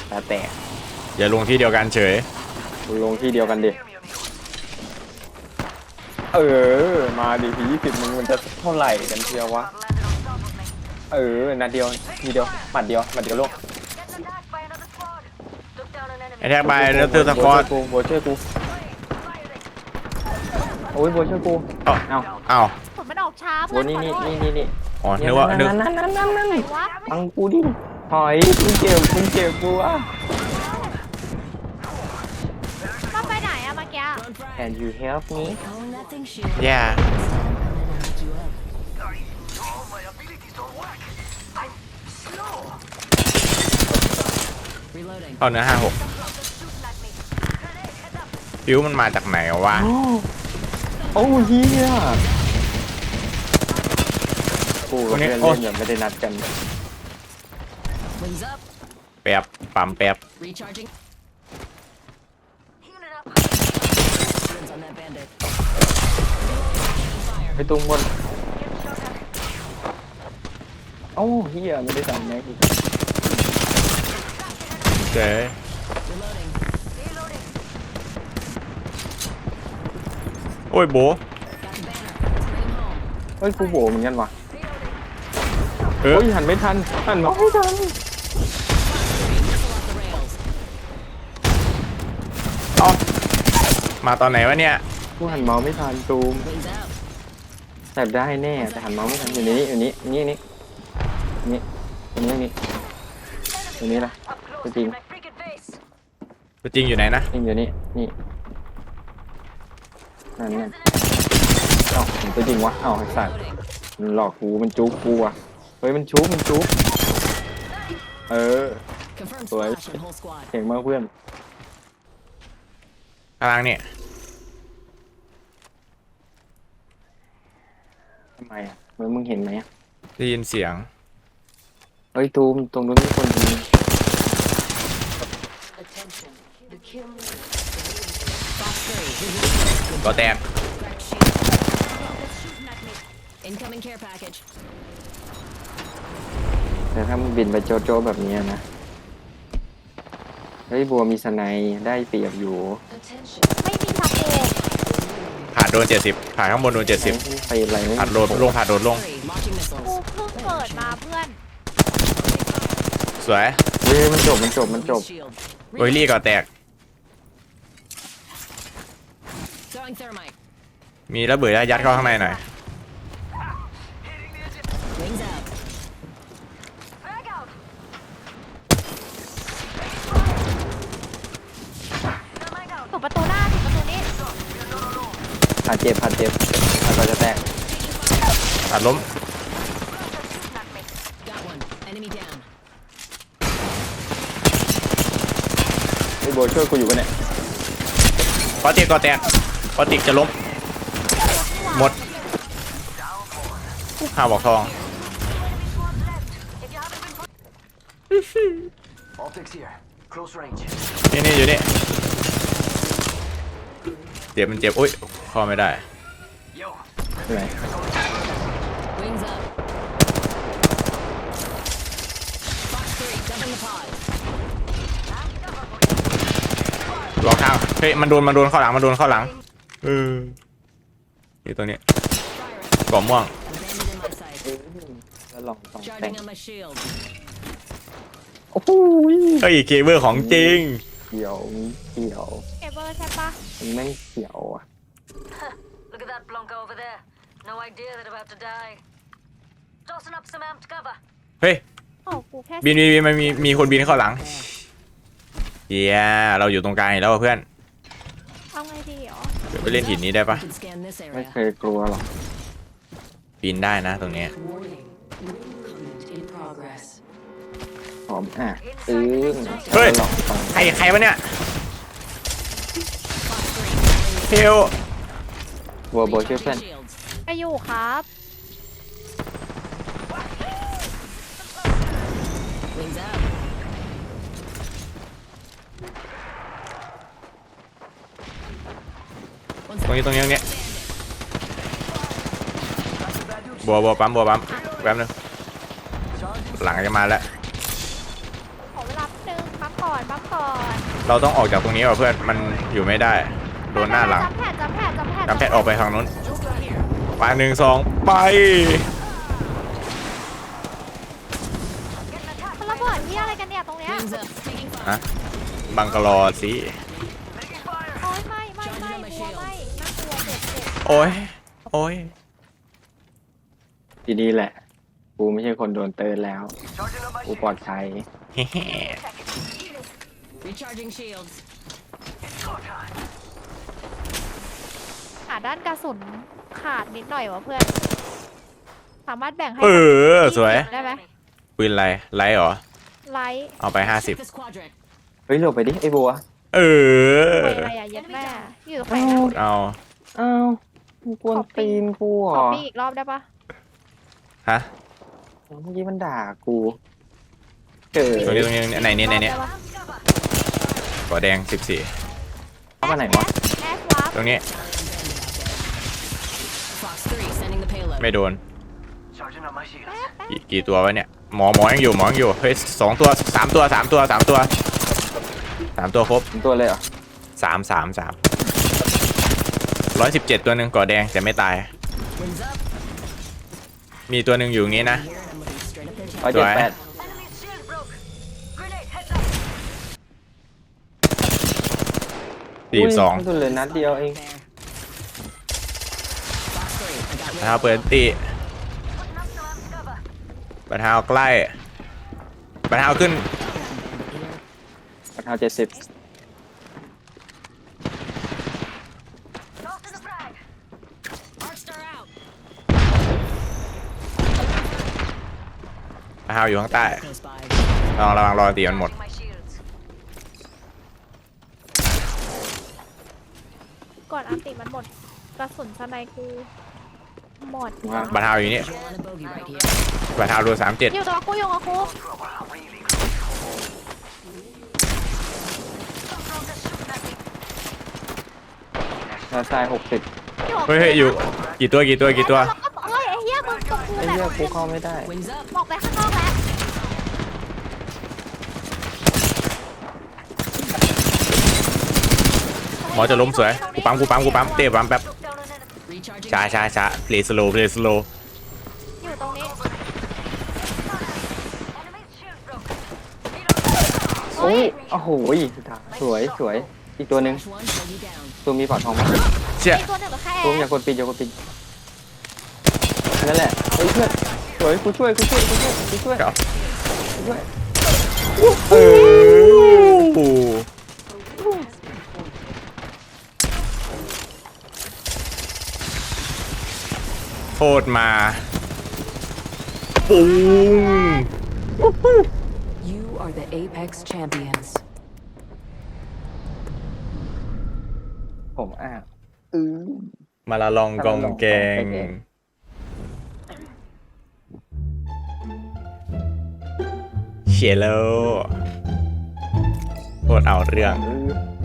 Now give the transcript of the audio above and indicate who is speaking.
Speaker 1: แต่
Speaker 2: อย่าลงที่เดียวกันเฉย
Speaker 1: ลงที่เดียวกันดิมาดิที20มันจะเท่าไหร่กันเชียววะนัดเดียวทีเดียวหมัดเดียวลูก
Speaker 2: ไอแท็กไปแล้วเธอสกอต
Speaker 1: โบช่วยกูโอ้ยโบช่วยกูเอา
Speaker 3: ผลมันออกช้า
Speaker 1: โบ
Speaker 3: เพื่อน
Speaker 1: นี่
Speaker 2: อ๋อนึกว่านึก
Speaker 1: นั่น
Speaker 3: ไหนวะ
Speaker 1: ฟังกูดิถอยมึงเจ็บกูอ่ะ
Speaker 3: ต้องไปไหนอะเมื่อกี้
Speaker 1: Can you help me
Speaker 2: แย่ เข้าเนื้อ56ฟิวมันมาจากไหนวะ
Speaker 1: โอ้เฮียกูกับเพื่อนเล่นแบบไม่ได้นัดกัน
Speaker 2: แป๊บปั๊มแป๊บ
Speaker 1: ไปตรงบนโอ้เฮียไม่ได้สั่งแม็กอีก
Speaker 2: เจ๊โอ้ยโบ
Speaker 1: เฮ้ยกูโบเหมือนกันว่ะ
Speaker 2: เออ
Speaker 1: โอ้ยหันไม่ทันหันมาไม่ทัน
Speaker 2: เอามาตอนไหนวะเนี่ย
Speaker 1: กูหันเมาส์ไม่ทันตูมแต่ได้แน่แต่หันเมาส์ไม่ทันอยู่นี่ละตัวจริง
Speaker 2: ตัวจริงอยู่ไหนนะ
Speaker 1: อยู่นี่นั่นเอ้าตัวจริงวะเอ้าไอ้สัตว์มันหลอกกูมันจุ๊กกูอ่ะเฮ้ยมันจุ๊กสวยเก่งมากเพื่อน
Speaker 2: กำลังเนี่ย
Speaker 1: ทำไมอ่ะมึงเห็นไหมอ่ะ
Speaker 2: ได้ยินเสียง
Speaker 1: เฮ้ยตูมตรงนู้นมีคนยิง
Speaker 2: ก็แตก
Speaker 1: แต่ถ้ามึงบินไปโจแบบนี้นะเฮ้ยบัวมีสไนได้เปรียบอยู่
Speaker 3: ไม่มีทับโบ
Speaker 2: ผ่านโดน70ผ่านข้างบนโดน70
Speaker 1: ไปอะไรไม่
Speaker 2: ผ่านโดนลงผ่านโดนลง
Speaker 3: กูเพิ่งเปิดมาเพื่อน
Speaker 2: สวย
Speaker 1: เฮ้ยมันจบ
Speaker 2: โอยลี่ก็แตก มีระเบิดยัดเข้าข้างในหน่อย
Speaker 3: ถูกประตูหน้าถูกประตูนี้
Speaker 1: ผ่านเจ็บแล้วก็จะแตก
Speaker 2: ตัดล้ม
Speaker 1: ไอ้บัวช่วยกูอยู่ปะเนี่ย
Speaker 2: ปอติกก็แตกปอติกจะล้มหมดห้าบอกทอง นี่อยู่นี่เจ็บมันเจ็บอุ้ยเข้าไม่ได้
Speaker 1: ไหน
Speaker 2: รอข้างเฮ้ยมันโดนเข้าหลังนี่ตัวนี้กล่อม่วง
Speaker 1: แล้วลองแต่งโอ้โห
Speaker 2: เฮ้ยเคเบิลของจริง
Speaker 1: เขียว
Speaker 3: เอเวอร์ใช่ปะ
Speaker 1: มันไม่เขียวอ่ะ
Speaker 4: Look at that Blanca over there. No idea they're about to die. Tossing up some amped cover.
Speaker 2: เฮ้ย
Speaker 3: โอ้กูแค่
Speaker 2: บินมันมีคนบินเข้าหลังเย้เราอยู่ตรงกลางอีกแล้วเพื่อน
Speaker 3: เอาไงดีหรอ
Speaker 2: เดี๋ยวไปเล่นหินนี้ได้ปะ
Speaker 1: ไม่เคยกลัวหรอก
Speaker 2: บินได้นะตรงนี้
Speaker 1: หอมอ่ะ
Speaker 2: เฮ้ย
Speaker 1: ลองฟัง
Speaker 2: ใครวะเนี่ยเฮล
Speaker 1: บัวช่วยเพื่อน
Speaker 3: ไปอยู่ครับ
Speaker 2: ตรงนี้บัวปั๊มแป๊บนึงหลังจะมาแล้ว
Speaker 3: ขอเวลาแป๊บนึงพักก่อนบัฟก่อน
Speaker 2: เราต้องออกจากตรงนี้ว่ะเพื่อนมันอยู่ไม่ได้โดนหน้าหลัง
Speaker 3: จำแผด
Speaker 2: จำแพทออกไปทางนู้นไป1 2ไป
Speaker 3: มันระเบิดที่อะไรกันเนี่ยตรงเนี้ย
Speaker 2: ฮะบังกะลอสิ
Speaker 3: โอ้ยไม่กลัวไม่น่ากลัวเจ็บ
Speaker 2: โอ้ยโอ้ย
Speaker 1: ทีนี้แหละ กูไม่ใช่คนโดนเตือนแล้ว กูปลอดภัย
Speaker 2: เฮ้
Speaker 5: Recharging shields.
Speaker 3: ด้านกระสุนขาดนิดหน่อยวะเพื่อนสามารถแบ่งให้
Speaker 2: สวย
Speaker 3: ได้ไหม
Speaker 2: ปืนอะไรไลท์เหรอ
Speaker 3: ไลท์
Speaker 2: เอาไป
Speaker 5: Check this quadrant.
Speaker 1: เฮ้ยหลบไปดิไอ้บัว
Speaker 2: เออ
Speaker 3: ไปอะไรอะเย็ดแม่อยู่ตรงไหนนะ
Speaker 2: เอา
Speaker 1: อ้าวมึงกวนตีนกูเหร
Speaker 3: ขอ
Speaker 1: อ
Speaker 3: ปีอีกรอบได้ปะ
Speaker 2: ฮะ
Speaker 1: เมื่อกี้มันด่ากูเกิด
Speaker 2: ตรงนี้ไหนเนี่ย
Speaker 3: รอบด้ปะ
Speaker 2: กอแดง14
Speaker 1: เข้ามาไหนวะ
Speaker 3: แอสวาร์ป
Speaker 2: ตรงนี้
Speaker 5: Fox 3 sending the payload.
Speaker 2: ไม่โดนกี่ตัววะเนี่ยหมอยังอยู่เฮ้ย2 ตัว3 ตัว3 ตัว3 ตัว3 ตัวครบ
Speaker 1: เป็นตัวเลยเหรอ
Speaker 2: 3 117 ตัวหนึ่งก่อแดงแต่ไม่ตาย
Speaker 5: Wings up.
Speaker 2: มีตัวหนึ่งอยู่อย่างนี้นะ
Speaker 5: Here and I'm looking straight up their
Speaker 1: ร้อย
Speaker 5: chest.
Speaker 1: เจ็ดแปด
Speaker 4: Enemy's shield broke. Grenade, heads up.
Speaker 2: 42
Speaker 1: ตัวเลยนัดเดียวเอง
Speaker 5: There. Fox 3, I got
Speaker 2: บัตรเท้าเปิดตี
Speaker 4: Putting up some amped cover.
Speaker 2: บัตรเท้าใกล้บัตรเท้าขึ้น
Speaker 1: ราคา70
Speaker 4: Tossing a frag.
Speaker 5: Arc star out.
Speaker 2: บัตรเท้าอยู่ข้างใต้
Speaker 5: Close by.
Speaker 2: ระวังรอตีมันหมด
Speaker 4: My shields.
Speaker 3: ก่อนอันติมันหมดกระสุนสไนกูหมด
Speaker 1: ว่า
Speaker 2: บัตรเท้าอยู่นี่
Speaker 5: Visual on a bogey right here.
Speaker 2: บัตรเท้ารู37
Speaker 3: อยู่ตัวกูอยู่กับกู
Speaker 1: ราคา60
Speaker 3: อยู่กับกู
Speaker 2: เฮ้ยอยู่กี่ตัว
Speaker 3: เฮ้ยไอ้เหี้ยมึงกับกู
Speaker 1: ไอ้
Speaker 3: แบ
Speaker 1: เหี้ย
Speaker 3: บ
Speaker 1: กูเข้าไม่ได้
Speaker 5: Wings up.
Speaker 3: บอกไปข้างนอกแล้ว
Speaker 2: หมอจะล้มสวยกูปั๊มเตะปั๊มแป๊บ
Speaker 4: Took down an enemy.
Speaker 5: Recharging.
Speaker 2: ช้าเพลย์สโลว์
Speaker 3: อยู่ตรงนี้
Speaker 4: Enemy's shield broke.
Speaker 1: โอ้ยโอ้โหสวยอีกตัวหนึ่ง
Speaker 5: Flash one, bogey down.
Speaker 1: ตัวมีปอดทองมั้ย
Speaker 2: เชี่ย
Speaker 3: มีตัวหนึ่งเหรือแค่
Speaker 1: ตัวอย่ากดปิดนั่นแหละเฮ้ยเพื่อนสวยกูช่วย
Speaker 2: เดี๋ยว
Speaker 1: เออ
Speaker 2: โทษมาปุ้ง
Speaker 6: You are the Apex champions.
Speaker 1: ผม
Speaker 2: มาละลองกองแกงเชลโลโคตรเอาเรื่อง
Speaker 1: อื้อ